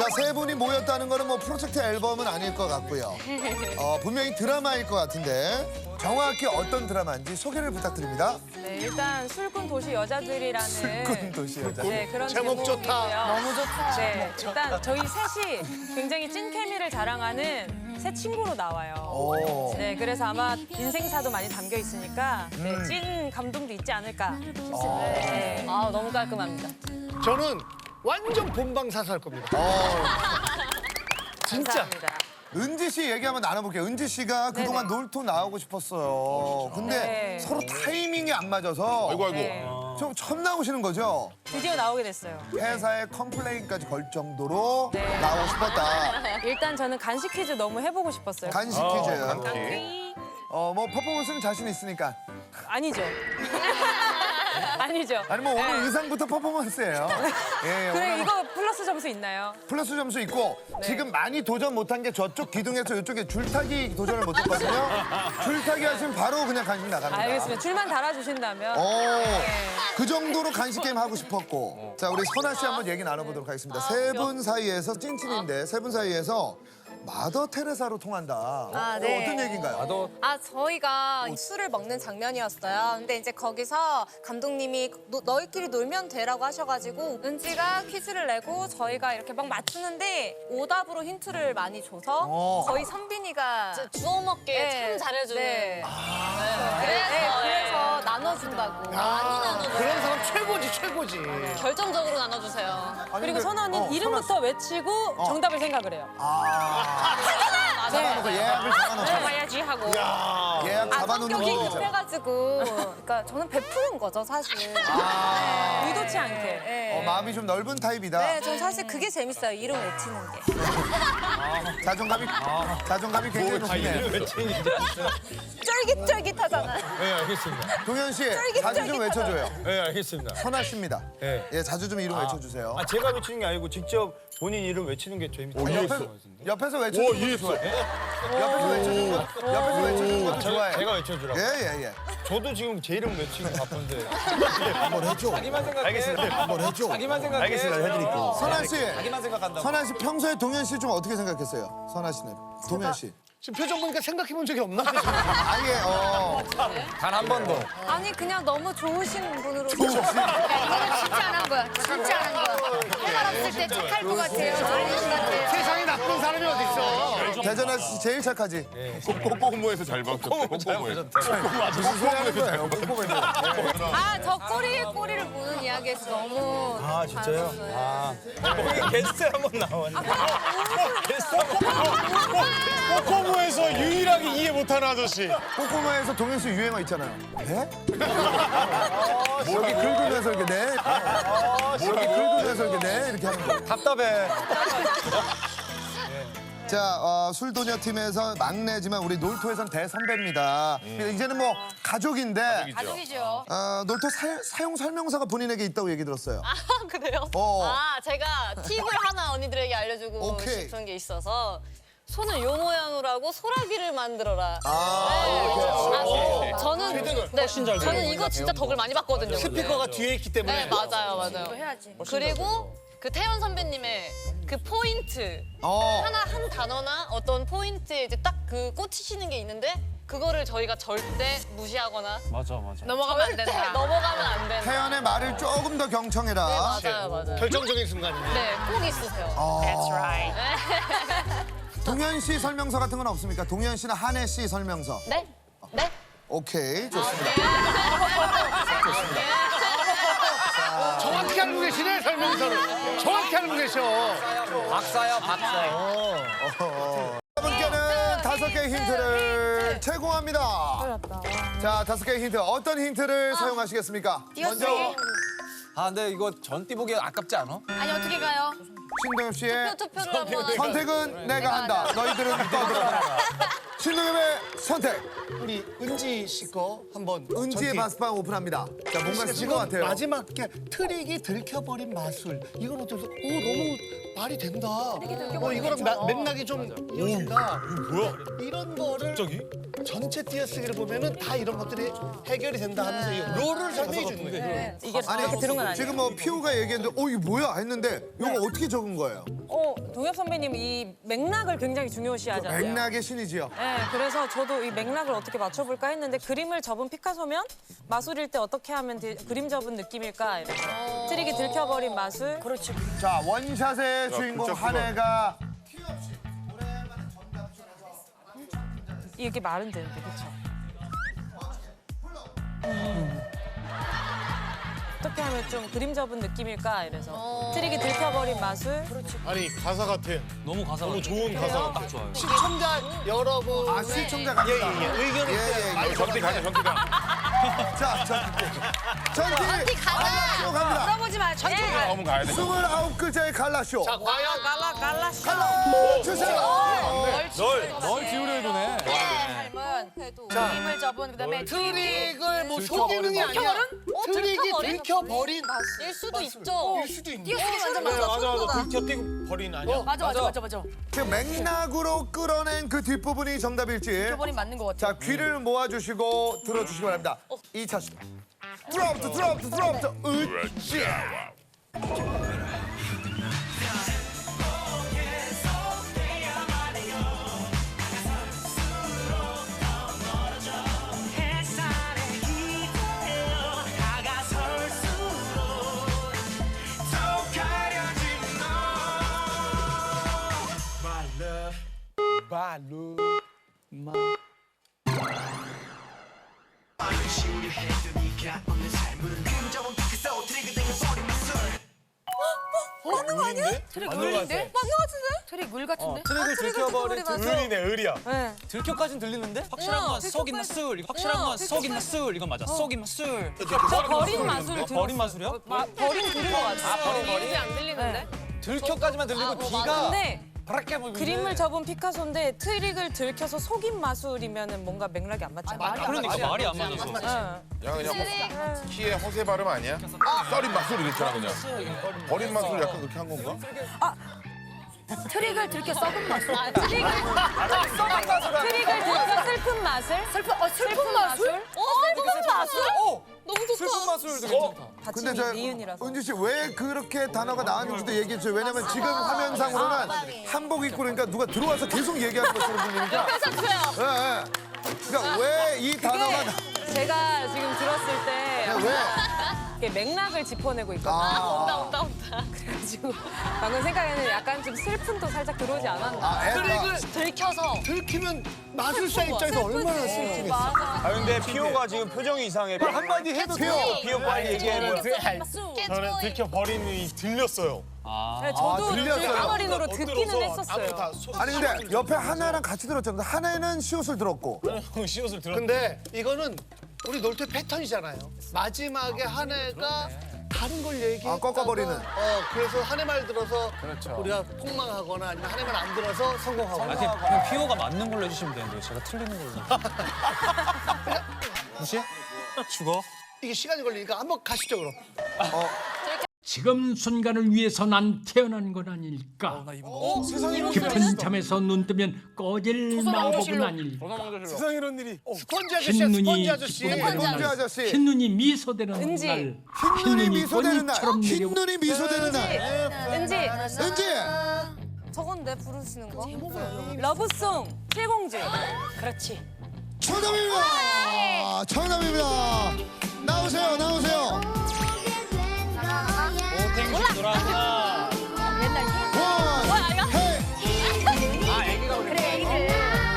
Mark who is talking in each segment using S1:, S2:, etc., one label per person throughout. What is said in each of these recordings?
S1: 세 분이 모였다는 거는 뭐 프로젝트 앨범은 아닐 것 같고요. 분명히 드라마일 것 같은데 정확히 어떤 드라마인지 소개를 부탁드립니다.
S2: 네, 일단 술꾼 도시 여자들이라는
S1: 술꾼 도시 여자.
S2: 네, 그런
S3: 제목 좋다.
S2: 제목이고요. 너무 좋다. 네, 일단 저희 셋이 굉장히 찐 케미를 자랑하는 새 친구로 나와요.
S1: 오.
S2: 네, 그래서 아마 인생사도 많이 담겨 있으니까 네, 찐 감동도 있지 않을까 싶습니다. 네. 아, 너무 깔끔합니다.
S3: 저는 완전 본방사수할 겁니다. 진짜.
S2: 감사합니다.
S1: 은지 씨 얘기 한번 나눠볼게요. 은지 씨가 그동안 놀토 나오고 싶었어요. 근데
S2: 네.
S1: 서로 타이밍이 안 맞아서
S2: 네,
S1: 좀 처음 나오시는 거죠?
S2: 드디어 나오게 됐어요.
S1: 회사에 컴플레인까지 걸 정도로
S2: 네.
S1: 나오고 싶었다.
S2: 일단 저는 간식 퀴즈 너무 해보고 싶었어요.
S1: 간식 퀴즈.
S2: 네.
S1: 뭐 퍼포먼스는 자신 있으니까.
S2: 아니죠. 아니죠.
S1: 아니 뭐 오늘 의상부터 퍼포먼스예요. 예,
S2: 그래,
S1: 오늘
S2: 이거 플러스 점수 있나요?
S1: 플러스 점수 있고 지금 많이 도전 못한 게 저쪽 기둥에서 이쪽에 줄타기 도전을 못했거든요. 줄타기 하시면 바로 그냥 간식 나갑니다.
S2: 알겠습니다. 줄만 달아주신다면.
S1: 그 정도로 간식 게임 하고 싶었고. 자, 우리 선아 씨 한번 얘기 나눠보도록 하겠습니다. 세 분 사이에서 찐친인데 세 분 사이에서 마더 테레사로 통한다.
S4: 네.
S1: 어떤 얘기인가요?
S4: 저희가 술을 먹는 장면이었어요. 근데 이제 거기서 감독님이 너희끼리 놀면 돼라고 하셔가지고 은지가 퀴즈를 내고 저희가 이렇게 막 맞추는데 오답으로 힌트를 많이 줘서 거의 선빈이가
S5: 주워 먹게
S4: 네.
S5: 참 잘해주는.
S4: 네. 그래서 나눠준다고.
S5: 많이 나눠주세요.
S3: 그런 사람 최고지, 최고지.
S5: 결정적으로 나눠주세요.
S1: 아니,
S2: 그리고
S1: 근데-
S2: 선아 언니는 이름부터 외치고 정답을 생각을 해요.
S1: 잡아놓고 예약을 잡아놓고.
S2: 들어가야지 하고.
S1: 예약 잡아놓는
S4: 성격이
S1: 거죠.
S4: 급해가지고 그러니까 저는 베푸는 거죠 사실.
S2: 의도치 않게.
S4: 네.
S1: 마음이 좀 넓은 타입이다.
S4: 네, 전 사실 그게 재밌어요. 이름 외치는 게.
S1: 자존감이 굉장히 높네요.
S4: 쫄깃쫄깃하잖아요.
S6: 네, 알겠습니다.
S1: 동현 씨,
S4: 쫄깃쫄깃하다.
S1: 자주 좀 외쳐줘요.
S6: 네, 알겠습니다.
S1: 선아 씨입니다.
S6: 네.
S1: 예, 자주 좀 이름 외쳐주세요.
S6: 제가 외치는 게 아니고 직접 본인 이름 외치는 게 재밌어요.
S1: 옆에서 외쳐주는 것도 좋아요. 옆에서 외쳐주는 것도 좋아요.
S6: 제가 외쳐주라고.
S1: 예.
S6: 저도 지금 제 이름 외치고 바쁜데.
S1: 한번 해줘.
S6: 자기만 생각해. 알겠습니다.
S1: 한번 해줘.
S6: 자기만 생각해.
S1: 알겠습니다. 해드릴게요. 선아 씨,
S6: 자기만 생각한다고.
S1: 선아 씨 평소에 동현 씨 좀 어떻게 생각했어요? 선아 씨는. 동현 씨.
S3: 지금 표정 보니까 생각해 본 적이 없나?
S1: 아예
S6: 단 한 번도.
S4: 아니 그냥 너무 좋으신 분으로.
S7: 이거는 진짜 안 한 거야. 진짜 안 한 거야. 해말 없을 때 착할 것 같아요. 좋은 것 같아요.
S3: 세상에 나쁜 사람이 어딨어.
S1: 대전아 씨 제일 착하지.
S8: 꼬꼬모에서 잘 봤었대. 꼬꼬모에서.
S1: 무슨 소리 하는 거예요? 꼼꼼해서.
S4: 저 꼬리에 꼬리를 무는 이야기에서 너무.
S6: 아, 진짜요? 아. 거기 게스트 한 번 나왔는데. 게스트
S8: 꼬꼬모에서 유일하게 이해 못하는 아저씨.
S1: 꼬꼬마에서 동현 씨 유행어 있잖아요. 네? 여기 긁으면서 이렇게 네. 여기 긁으면서 이렇게 네 이렇게 하는 거.
S6: 답답해.
S1: 자, 술도녀 팀에서 막내지만 우리 놀토에선 대선배입니다. 이제는 뭐 가족인데
S7: 가족이죠.
S1: 놀토 사용 설명서가 본인에게 있다고 얘기 들었어요.
S5: 아, 그래요?
S1: 어.
S5: 제가 팁을 하나 언니들에게 알려주고
S1: 오케이.
S5: 싶은 게 있어서 손을 요 모양으로 하고 소라기를 만들어라. 저는 이거 진짜 덕을 많이 봤거든요.
S3: 스피커가 뒤에 있기 때문에.
S5: 네, 맞아요.
S7: 해야지.
S5: 그리고 그 태연 선배님의 그 포인트 하나 한 단어나 어떤 포인트에 이제 딱 그 꽂히시는 게 있는데 그거를 저희가 절대 무시하거나
S7: 넘어가면 안
S5: 절대
S7: 된다.
S5: 넘어가면 안 된다.
S1: 태연의 말을 조금 더 경청해라.
S5: 네, 맞아요.
S3: 결정적인 순간입니다.
S5: 네, 꼭 있으세요.
S7: That's right.
S1: 동현 씨 설명서 같은 건 없습니까? 동현 씨나 한혜 씨 설명서.
S5: 네? 네?
S1: 오케이, 좋습니다.
S3: 정확히 알고 계시네, 설명서를. 정확히 알고 계셔.
S6: 박사야, 박사.
S1: 여러분께는 5개의 힌트를 제공합니다. 자, 5개의 힌트. 어떤 힌트를 사용하시겠습니까? 먼저
S6: 아, 근데 이거 전띠 보기 아깝지 않아?
S7: 아니 어떻게 가요?
S1: 신동엽 씨의
S5: 투표를 한번 하죠.
S1: 선택은 내가 한다. 너희들은 떠들어라. 신동엽의 선택.
S3: 우리 은지 씨 거 한번.
S1: 은지의
S3: 전띠.
S1: 마스방 오픈합니다. 자, 뭔가
S3: 진짜
S1: 쓸 것 같아요.
S3: 마지막 게 트릭이 들켜버린 마술. 이건 어때서? 너무 말이 된다. 이거랑 맥락이 좀 이어진다.
S8: 뭐야?
S3: 이런 거를
S6: 갑자기?
S3: 전체 띄어쓰기를 보면은 다 이런 것들이 해결이 된다 하면서 이 롤을 설명해 주는 거예요.
S2: 이게 이렇게 들은 건 아니에요.
S1: 지금 뭐 피오가 얘기했는데 이거 뭐야 했는데 이거 어떻게 적은 거예요?
S2: 동엽 선배님 이 맥락을 굉장히 중요시하잖아요.
S1: 맥락의 신이지요.
S2: 네, 그래서 저도 이 맥락을 어떻게 맞춰볼까 했는데 그림을 접은 피카소면 마술일 때 어떻게 하면 그림 접은 느낌일까 이래서 트릭이 들켜버린 마술. 그렇지.
S1: 자 원샷의 주인공
S8: 진짜
S1: 한혜가
S2: 이게 말은 되는데 그렇죠. 어떻게 하면 좀 그림 접은 느낌일까 이래서 트릭이 들켜버린 마술.
S8: 아니 가사 같아.
S6: 너무 가사
S8: 너무 좋은 가사 같아.
S6: 좋아요.
S3: 시청자 여러분
S1: 아 시청자 간다.
S3: 의견을
S1: 예.
S8: 전티 가자 전티가.
S1: 자 전티 갈라쇼 갑니다.
S7: 물어보지 마. 천천히 가.
S8: 나오면 가야 돼.
S1: 29글자의 갈라쇼.
S3: 자 과연
S2: 갈라쇼.
S1: 갈라 주세요.
S6: 널 기울여 주네.
S7: 삶은 그림을 접은 그다음에
S3: 트릭을 뭐 속이는이 아니야. 트릭이 들켜버린
S5: 일 수도 있죠.
S3: 수도 있네.
S7: 띄어쓰기 완전
S8: 맞아
S7: 맞아.
S8: 맞아. 들켜뛰고 버린 아니야?
S7: 맞아.
S1: 지금 맥락으로 끌어낸 그 뒷부분이 정답일지.
S7: 버린 맞는 것 같아.
S1: 자 귀를 모아주시고 들어주시기 바랍니다. 2차 슛. 드롭트 으쌰.
S7: 맞는 거 아니야? 트릭
S8: 맞는 거
S7: 물인데?
S8: 같아.
S7: 맞는 거 같은데? 트릭 물 같은데?
S6: 트랙을 들켜버린
S8: 을이네 을이야.
S2: 네.
S6: 들켜까지는 들리는데? 확실한 건 속 있는 술. 확실한 건 속 있는 술. 이건 맞아. 속 있는 술.
S2: 저 버린 마술 들었어요.
S6: 버린 마술이야?
S2: 버린 들은 것 같아요.
S5: 이름이 안 들리는데?
S6: 들켜까지만 들리고 뒤가
S2: 근데
S6: 바랄게 뭐
S2: 그림을 접은 피카소인데 트릭을 들켜서 속인 마술이면은 뭔가 맥락이 안 맞잖아요.
S6: 그러니까 말이 안 맞았어.
S2: 응.
S8: 야 그냥 키의 허세 발음 아니야? 썰인 맛술 이랬잖아 그냥. 버린 맛술 약간 그렇게 한 건가?
S7: 트릭을 들켜 썩은 맛.
S2: 트릭을 들켜서 슬픈 마술?
S7: 슬픈 맛술?
S2: 슬픈 마술?
S5: 너무 좋다.
S6: 슬픈 마술도 괜찮다.
S1: 근데
S2: 받침이
S1: 저
S2: 미은이라서.
S1: 은지 씨 왜 그렇게 단어가 나왔는지도 얘기해 주세요. 왜냐면 지금 화면상으로는 한복 입고 그러니까 누가 들어와서 계속 얘기하는 것처럼 들리니까. 예. 그러니까 왜 이 단어가
S2: 제가 지금 들었을 때
S1: 왜?
S2: 이렇게 맥락을 짚어내고 있거든요.
S5: 온다.
S2: 그래가지고 방금 생각에는 약간 좀 슬픔도 살짝 들어오지 않았나.
S1: 애가
S5: 들켜서.
S3: 들키면 마술사 입장에서 얼마나 슬프겠어.
S6: 아 근데 피오가 지금 표정이 이상해. 한마디 해도 돼요. 피오 빨리 얘기해.
S8: 저는 들켜버린이 들렸어요.
S2: 네, 저도
S1: 들렸어요.
S2: 들켜버린으로 듣기는 했었어요.
S1: 아니 근데 옆에 하나랑 같이 들었잖아요. 하나는 시옷을 들었고.
S8: 시옷을 들었.
S3: 근데 이거는 우리 놀토 패턴이잖아요. 마지막에 한 해가 다른 걸 얘기해.
S1: 꺾어버리는.
S3: 그래서 한 해 말 들어서 우리가 폭망하거나 아니면 한 해 말 안 들어서 성공하거나.
S6: 그냥 피오가 맞는 걸로 해주시면 되는데 제가 틀리는 걸로. 무시해? 죽어?
S3: 이게 시간이 걸리니까 한번 가시죠 그럼.
S9: 지금 순간을 위해서 난 태어난 건 아닐까? 깊은 잠에서 눈 뜨면 꺼질 마법은 아닐까?
S8: 세상 이런 일이.
S3: 스펀지 아저씨야
S9: 흰 눈이
S3: 스펀지 아저씨.
S1: 은지 아저씨.
S9: 흰 눈이 미소되는
S2: 은지.
S9: 날,
S1: 흰 눈이 미소되는 날.
S9: 꽃잎처럼
S1: 흰
S9: 내려오고
S1: 눈이 미소되는 날.
S2: 은지,
S1: 은지.
S4: 저건데 부르시는 거?
S2: 러브송, 칠공주. 그렇지.
S1: 정답입니다. 정답입니다. 나오세요.
S6: 땡큐 돌아왔나?
S1: 원, 헤이.
S6: 아 애기가 그래.
S7: 그래 애기들.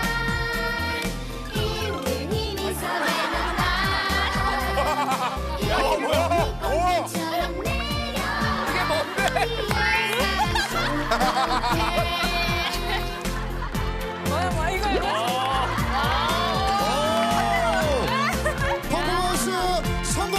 S2: 뭐야 이거.
S1: 퍼포먼스 성공.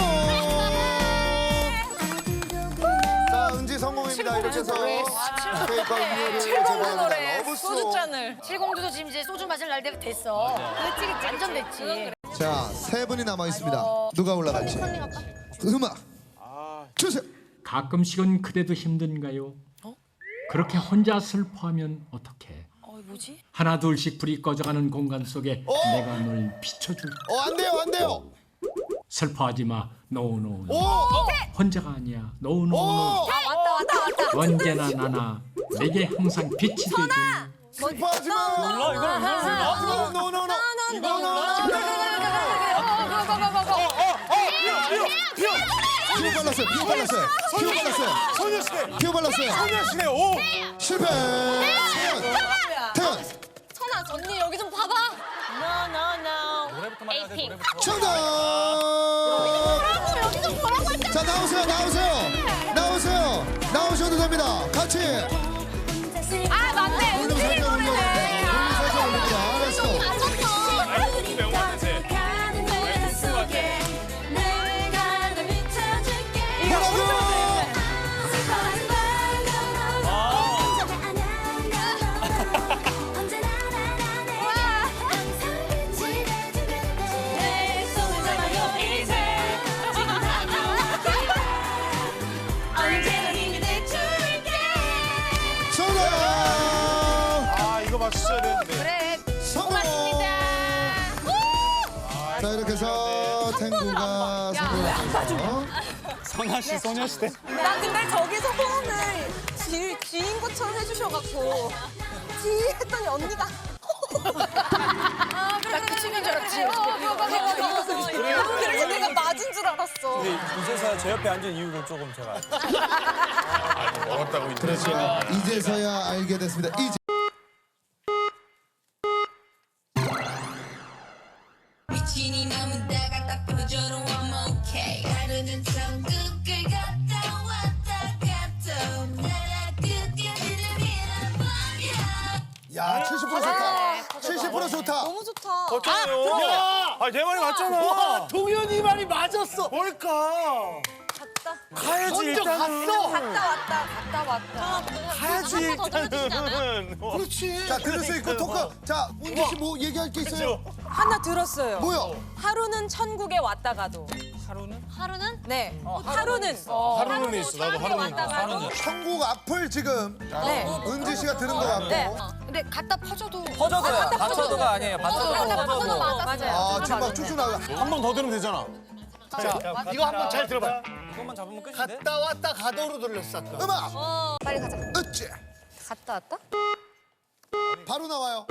S1: 자, 은지 성공입니다. 이렇게 해서 케이크와 음료를 제공합니다. 러브송.
S2: 소주잔을.
S7: 칠공주도 지금 이제 소주 마실 날 됐어. 그치 완전 됐지.
S1: 자, 세 분이 남아 있습니다. 누가 올라갈지. 음악 주세요.
S9: 가끔씩은 그래도 힘든가요? 그렇게 혼자 슬퍼하면 어떡해? 하나 둘씩 불이 꺼져가는 공간 속에 내가 널 비춰줄게.
S1: 안 돼요, 안 돼요.
S9: 슬퍼하지 마. 노노노.
S1: 오!
S9: 혼자가 아니야. 노노노.
S1: 오!
S7: 왔다.
S9: 언제나 나나 내게 항상 빛이 되길.
S1: 슬퍼하지 마.
S6: 몰라 이걸 몰라.
S1: 노노노. 피부 발랐어요. 피부 발랐어요. 피부 발랐어요.
S3: 소녀시대.
S1: 피부 발랐어요.
S3: 소녀시대. 오.
S1: 실패. 태연.
S4: 선아 언니 여기 좀 봐봐.
S6: 노래부터 말해야 돼.
S5: 에이핑.
S6: 노래부터.
S1: 정답.
S4: 여기 좀 보라고 했잖아.
S1: 자, 나오셔도 됩니다. 같이.
S4: 아 맞네.
S1: 볼륨 살짝 올려볼게요. 볼륨 살짝 올립니다. 렛츠고. 뭐라고? 정답.
S3: 아 이거 맞췄어야 되는데.
S7: 그래.
S1: 성공. 자, 이렇게 해서 탱구가 성공했죠.
S6: 선아 씨 소녀시대.
S4: 나 근데 저기서 호응을 쥐인 것처럼 해주셔갖고 쥐 했더니 언니가
S7: 나 기침인 줄 알았지.
S4: 그래서 내가 맞은 줄 알았어.
S6: 이제서야 제 옆에 앉은 이유를 조금 제가.
S8: 먹었다고 인터넷에.
S1: 이제서야 알게 됐습니다. 이제.
S10: 미친이 남은 다가 딱 보여줘도 I'm okay. 하루는 천국을 갔다 왔다 갔다 나라 끝까지를 밀어버려.
S1: 야, 70% 좋다. 70% 좋다.
S4: 너무 좋다.
S3: 야.
S6: 아내 말이 맞잖아.
S3: 와 동현이 말이 맞았어. 뭘까? 가야지
S4: 먼저
S3: 일단은.
S4: 갔다 왔다.
S3: 가야지 일단은. 그렇지.
S1: 자, 들을 수 있고 토크. 자, 운지 씨 뭐 얘기할 게 있어요?
S2: 하나 들었어요.
S1: 뭐요?
S2: 하루는 천국에 왔다 가도.
S5: 하루는?
S2: 네. 하루는.
S3: 하루는 있어. 나도 하루는 있어.
S2: 가도.
S1: 천국 앞을 지금
S2: 네.
S1: 은지 씨가 들은 것 같고.
S2: 네.
S7: 근데 갖다 퍼줘도.
S6: 퍼져도야. 받쳐도가 아니에요. 받쳐도.
S2: 맞아요.
S1: 아, 지금 막 쭉쭉 나가.
S6: 한 번 더 들으면 되잖아.
S3: 자 이거 한번 잘 들어봐.
S6: 그것만 잡으면 끝인데.
S3: 갔다 왔다 가도로 돌렸어. 아까.
S1: 음악.
S7: 빨리 가자.
S1: 으쌰.
S7: 갔다 왔다?
S1: 바로 나와요.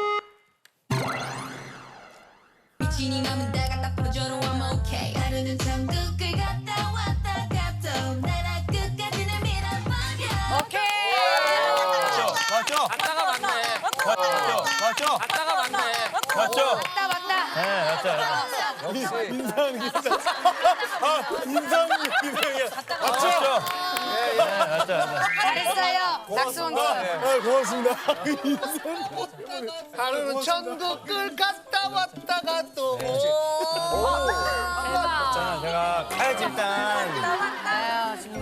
S10: 미친이 남은 다가 딱 보여줘도 I'm okay. 하루는 천국을 갔다 왔다 갔다 나라 끝까지를 밀어버려.
S7: 오케이.
S6: 맞죠?
S5: 아까가 맞네.
S6: 맞죠?
S5: 아까가 맞네.
S6: 맞죠?
S7: 왔다 왔다.
S6: 네 맞죠.
S3: 인상 기자. 인상 기자.
S6: 맞죠?
S7: 잘했어요. 낙수왕.
S3: 고맙습니다. 하루는 천국을 갔다 왔다 가도.
S6: 저는 제가 가야지 일단.